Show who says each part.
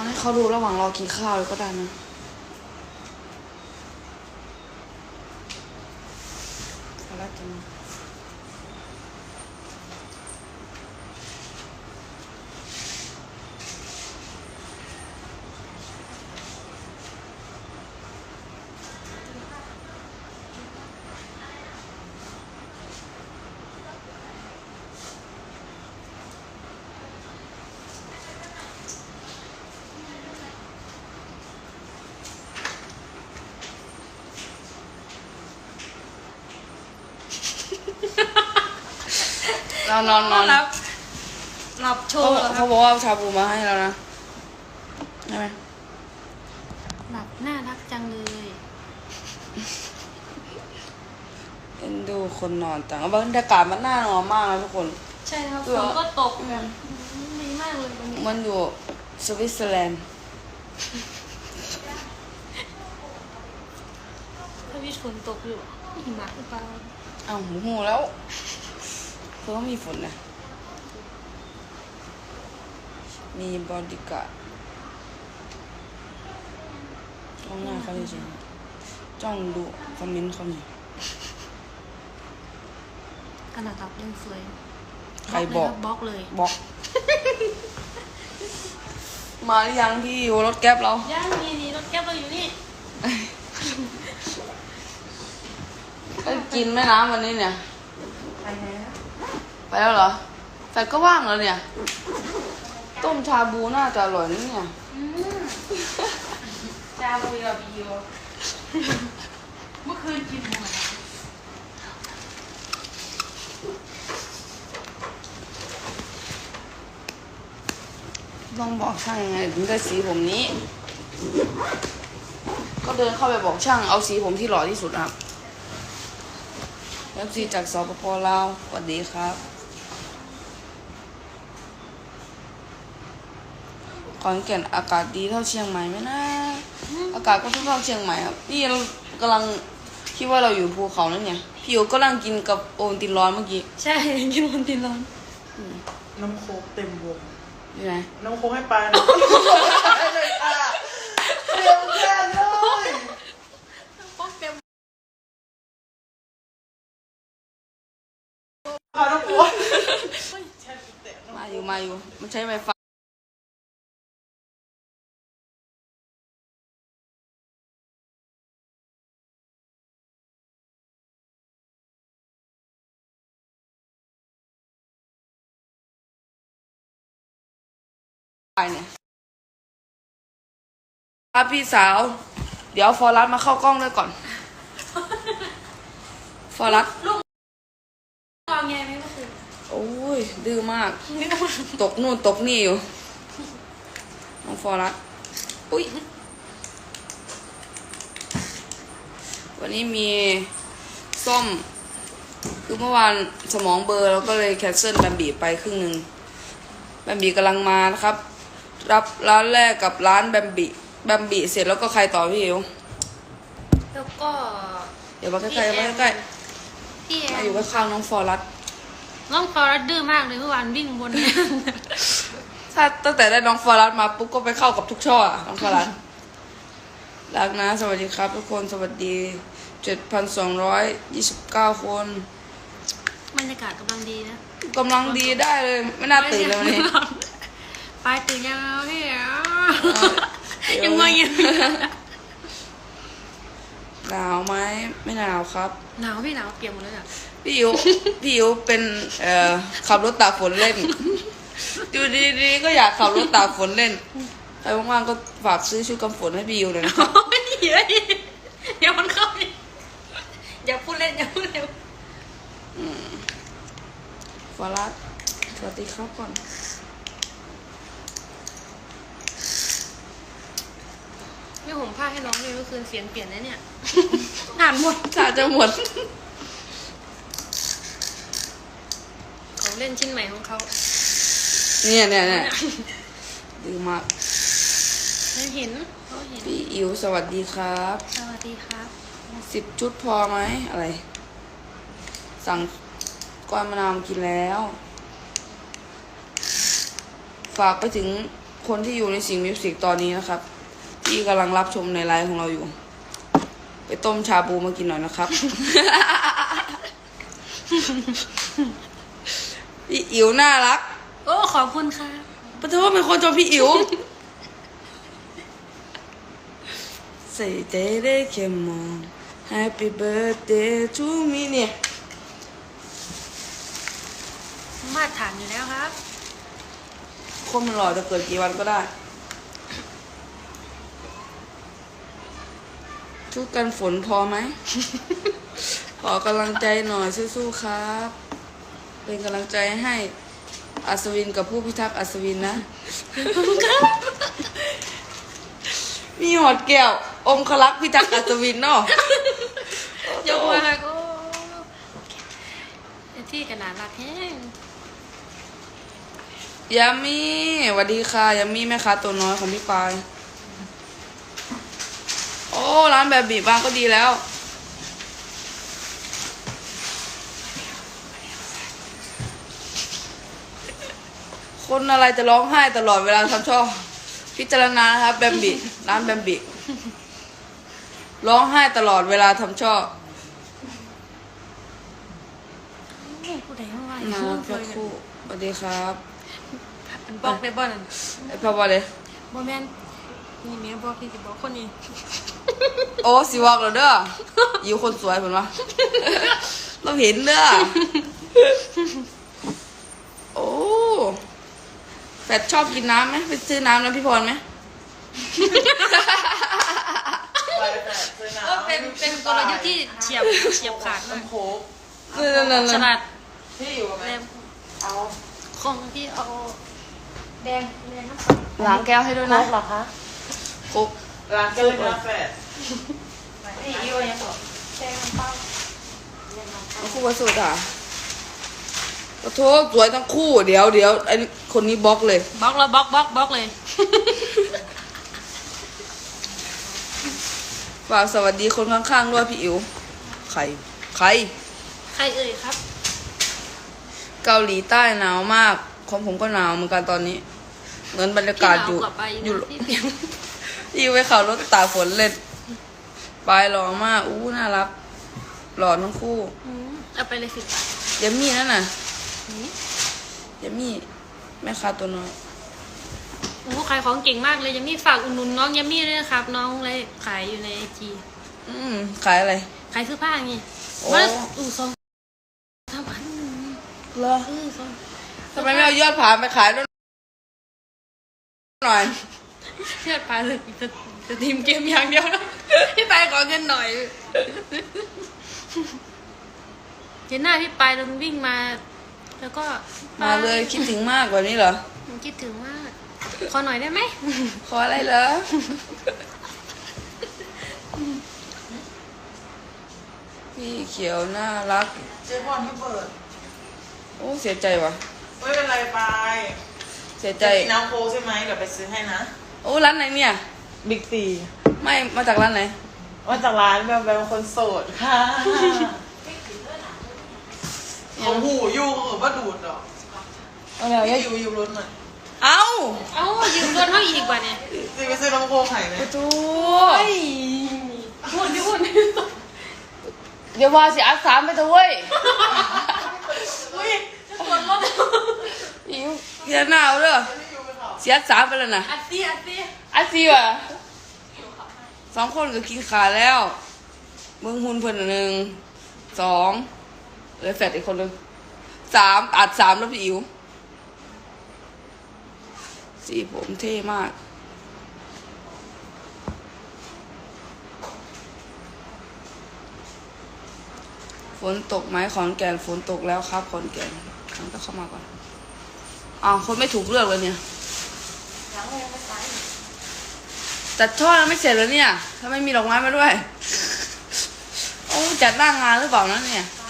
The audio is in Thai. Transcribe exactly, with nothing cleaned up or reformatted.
Speaker 1: อนให้เขาดูระหว่างรอกินข้าวเลยก็ได้นะอะไรจังนอนนอนนอน
Speaker 2: รับรับโช
Speaker 1: เขา
Speaker 2: ว์แล้วค
Speaker 1: เขา
Speaker 2: รับ
Speaker 1: บอกว่าชาบูมาให้แล้วนะใช่ไหม
Speaker 2: หลับน่ารักจังเลย
Speaker 1: เอ็นดูคนนอนต่างบรรยากาศมันน่านอนมากนะทุกคน
Speaker 2: ใช่ครับฝนก็ตกแบบดีมากเลยวันนี้
Speaker 1: มันอยู่สวิตเซอร์แลนด์
Speaker 2: ถ้าพี่ฝนตกอยู่หิมะหรือเปล่า
Speaker 1: อ้าวหูหูแล้วเพิ่งมีฝนนะมีบอดี้การ์ดจ้องหน้าเขาจริงๆจ้องดูคอมเมนต์เขาเนี่ย
Speaker 2: ขนาดตับยังสวย
Speaker 1: ใครบอก
Speaker 2: บล็อกเลย
Speaker 1: บอก มาหรือยังพี่อยู่รถแก๊ปเรา
Speaker 2: ย่างมีดีรถแก๊ปเราอยู่นี่
Speaker 1: ไปกินแม่น้ำวันนี้เนี่ย
Speaker 2: ไปแล้ว
Speaker 1: ไปแล้วเหรอแฟนก็ว่างแล้วเนี่ย ต้มชาบูน่าจะอร่อยนะเนี่ย
Speaker 2: จาบุยกับบิวเมื่อคืนกินหมด
Speaker 1: ต้องบอกช่างยังไงถึงได้สีผมนี้ ก็เดินเข้าไปบอกช่างเอาสีผมที่หล่อที่สุดครับแล้วสีจากสปปลาวสวัสดีครับขอนแก่นอากาศดีเท่าเชียงใหม่ไหมนะอากาศก็เท่าเชียงใหม่ครับนี่เรากำลังคิดว่าเราอยู่ภูเขานั่นเนี่ยพี่อยู่ก็นั่งกินกับโอวัลตินร้อนเมื่อกี้
Speaker 2: ใช่กินวันตินร้อน
Speaker 3: น้ำโค้กเต็มวง
Speaker 1: อยู่ไหน
Speaker 3: น้ำโค้กให้ปลาหน่อยเลยค่ะเต็มแค่เลย
Speaker 2: พวกเต็ม
Speaker 3: ปลาน้ำโค้ก
Speaker 1: มาอยู่มาอยู่มันใช้ไฟฟ้าเนี่ยครับพี่สาว เดี๋ยวฟอรัสมาเข้ากล้องด้วยก่อน ฟอรัส
Speaker 2: วางไงไหมก็คือ
Speaker 1: โอ้ยดื้อมาก
Speaker 2: นี่ก็มา
Speaker 1: ตกนู่นตกนี่อยู่ น้องฟอรัสอุ้ยวันนี้มีส้ม คือเมื่อวานสมองเบลอร์แล้วก็เลยแคนเซิลแบมบีไปครึ่งหนึ่งแบมบีกำลังมานะครับ รับร้านแรกกับร้านแบมบีแบมบีเสร็จแล้วก็ใครต่อพี่อิ๋ว
Speaker 2: แล้วก็
Speaker 1: เดี๋ยวมาใกล้ๆมาใกล้
Speaker 2: พี่แอ
Speaker 1: ๆมาน อยู่ข้างๆน้องฟอรัส
Speaker 2: น้องฟอรัสดื้อมากเลยเมื่อวานวิ่งบนเนี่ย
Speaker 1: ถ้าตั้งแต่ได้น้องฟอรัสมาปุ๊บก็ไปเข้ากับทุกช่ออะน้องฟอรัสรักนะสวัสดีครับทุกคนสวัสดีเจ็ดพันสองร้อยยี่สิบเก้าคน
Speaker 2: บรรยากาศกำลังดีนะ
Speaker 1: กำลังดีได้เลยไม่น่าตื่นเลยวันนี้
Speaker 2: ไปตื่นยังพี่ยังไม่ยัง
Speaker 1: หนาวไหมไม่หนาวครับ
Speaker 2: หนาวพี่หนาวเปียกหมดเลยอ่ะ
Speaker 1: พี่อิ๋วพี่อิ๋วเป็นเอ่อขับรถตากฝนเล่นอยู่ดีๆก็อยากขับรถตากฝนเล่นใครว่างๆก็ฝากซื้อชุดกันฝนให้พี่อิ๋วเลยนะครับ
Speaker 2: ไม่ดีเลยเดี๋ยวมันเข้าไปอย่าพูดเล่นอย่าพูดเร็ว
Speaker 1: ฟอรัสสวัสดีครับก่อน
Speaker 2: ไม่ห่มผ้าให้น้องเลยเมื่อคืนเสียงเปลี่ยนนะเนี่ยอ่านหมด
Speaker 1: ถ้าจะหมด
Speaker 2: ของเล่นชิ้นใหม่ของเขา
Speaker 1: เนี่ยเนี่ยเนี่ยดีมาก
Speaker 2: เขาเห็นเขาเห็น
Speaker 1: พี่อิ๋วสวัสดีครับ
Speaker 2: สวัสดีครับ
Speaker 1: สิบชุดพอไหมอะไร สั่งก้อนมะนาวกินแล้ว ฝากไปถึงคนที่อยู่ในสิงห์มิวสิกตอนนี้นะครับ ที่กำลังรับชมในไลฟ์ของเราอยู่ ไปต้มชาบูมากินหน่อยนะครับ พี่อิ๋วน่ารัก
Speaker 2: โอ้ขอบคุณค่ะ
Speaker 1: ปะโทษเป็นคนชมพี่อิ๋วใส่ใจได้แค่มอง Happy birthday to me เนี่ย
Speaker 2: มาตรฐานอยู่แล้วครับ
Speaker 1: คนมันหล่อจะเกิดกี่วันก็ได้ ชุดกันฝนพอไหม ขอกำลังใจหน่อยสู้ๆครับ เป็นกำลังใจให้อัศวินกับผู้พิทักษ์อัศวินนะ มีหอดแก้ว องคลักษ์พิทักษ์อัศวินเนาะ
Speaker 2: ยกมาก็ที่กระดาษรักแห้ง
Speaker 1: ยามี่สวัสดีค่ะยามี่แม่ค้าตัวน้อยของพี่ปาย โอ้ร้านแบบบีบบ้างก็ดีแล้ว คนอะไรจะร้องไห้ตลอดเวลาทำช่อพิจารณานะครับแบมบิร้านแบมบิร้องไห้ตลอดเวลาทำช่อ
Speaker 2: ผู้ใดเมื่อวาน
Speaker 1: มาเพื่อคู่สวัสดีครับ
Speaker 2: มันบอกได้บ่นั่น
Speaker 1: ไอพ่อบอกเลย
Speaker 2: บ่แม่นนี่แม่บอกที่สิบอกคนนี้
Speaker 1: โอ้สิบอกแล้วเด้ออยู่คนสวยเหมือนวะ เราเห็นเด้อโอ้แฟดชอบกินน้ำไหมไปซื้อน้ำนะพี่พรไหม
Speaker 3: ไปแต่ซื้อน้ำ
Speaker 2: ก็เป็นเป็นกลยุทธ์ที่เฉียบเฉียบขาดมาก
Speaker 3: น้ำโค้ก
Speaker 1: นั่น
Speaker 2: ฉลาด
Speaker 3: ที่อยู่กับ
Speaker 2: แร
Speaker 3: แม่
Speaker 2: ม
Speaker 3: เอา
Speaker 2: ของที่เอาแดงแดงน้ำตาล
Speaker 1: ๆล้างแก้วให้ด้วยนะ
Speaker 2: เหรอคะ
Speaker 1: ครบ
Speaker 3: ร้านเจอเนื้อแฟด
Speaker 2: นี่อีโอยังบอกแดงน้ำเปล่าแดงน้ำเปล่า
Speaker 1: คู่วัสุดอ่ะขอโทษสวยทั้งคู่เดี๋ยวเดี๋ยวไอคนนี้บล็อกเลย
Speaker 2: บล็อกแล้วบล็อกบล็อกบล็อกเลย
Speaker 1: ฝากสวัสดีคนข้างๆด้วยพี่อิ๋วใครใคร
Speaker 2: ใครเอ่ยครับ
Speaker 1: เกาหลีใต้หนาวมากของผมก็หนาวเหมือนกันตอนนี้เหมือนบรรยากาศอยู่
Speaker 2: ที่หนวกว่าไป
Speaker 1: อยู่
Speaker 2: ที่เสียง
Speaker 1: ที่ไปขับรถตากฝนเล่นปลายหล่อมากอู้น่ารักหล่อทั้งคู่
Speaker 2: อืมเอาไปเลยสิบบาท
Speaker 1: ยามี่นั่นน่ะ
Speaker 2: อืม
Speaker 1: ยามี่แม่ค้าตัวน้อย
Speaker 2: โอ้ขายของเก่งมากเลยยัมมี่ฝากอุดหนุนน้องยัมมี่ด้วยนะครับ น้องเลยขายอยู่ในไอจี
Speaker 1: อืมขายอะไร
Speaker 2: ขายเสื้อผ้าไง
Speaker 1: โอ้
Speaker 2: ว่าอู่ซองทำพัน
Speaker 1: เหรอ
Speaker 2: เออซอง
Speaker 1: ทำไมไม่เอายอดผาไปขายด้วยหน่อย
Speaker 2: เชื่อไปเลยจะจะทีมเกมอย่างเดียวนะพี่ไปขอเงินหน่อยเห็นหน้าพี่ไปโดนวิ่งมา แล้วก็
Speaker 1: มาเลยคิดถึงมากกว่านี้เหรอ
Speaker 2: มันคิดถึงมาก ขอหน่อยได้ไหม
Speaker 1: ขออะไรเหรอพี่เขียวน่ารัก
Speaker 3: เจ๊บอลที่เปิด
Speaker 1: โอ้เสียใจว่ะ
Speaker 3: ไม่เป็นไรไป
Speaker 1: เสียใจ
Speaker 3: จะกินน้ำโค้กใช่ไหมเดี๋ยวไปซื้อให้นะ
Speaker 1: โอ้ร้านไหนเนี่ย
Speaker 3: บิ๊กซี
Speaker 1: ไม่มาจากร้านไหน
Speaker 3: ว่าจากร้านแบบแบบคนโสดค่ะเขาหูอยู่เขาบอกว่าดูดเหรอ
Speaker 1: เอาแล้ว
Speaker 3: ไม่อยู่อยู่รถหน่อย
Speaker 1: เอา
Speaker 2: เอ้ายืมรถเขาอีกกว่าเนี่ย
Speaker 3: จะไปซื้อน้ำโค้กไข่ไหม
Speaker 1: ประตู
Speaker 2: พูดดิพูด
Speaker 1: เดี๋ยวว่าสิอัดสามไปเถอะเว้ย
Speaker 3: อุ้ย
Speaker 2: จะกดรถ
Speaker 1: อิวเสียหนาวเด้อเสียสามไปแล้วนะ
Speaker 2: อัดซี่อัดซี่
Speaker 1: อัดสี่ว่ะสองคนก็กินขาแล้วเมืองหุ่นเพิ่นอันหนึ่งสองเหลยแฟดอีกคนหนึงสามอัดสามแล้วพี่อิ๋วสีผมเท่มาก ฝนตกไหมขอนแก่นฝนตกแล้วครับขอนแก่นฉันก็เข้ามาก่อนอ้าวคนไม่ถูกเลือกเลยเนี่ย
Speaker 2: ยังไม่ไป
Speaker 1: จัดช่อแล้วไม่เสร็จแล้วเนี่ยถ้าไม่มีดอกไม้มาด้วย โอ้จัดหน้างานหรือเปล่านะเนี่ย
Speaker 2: ไป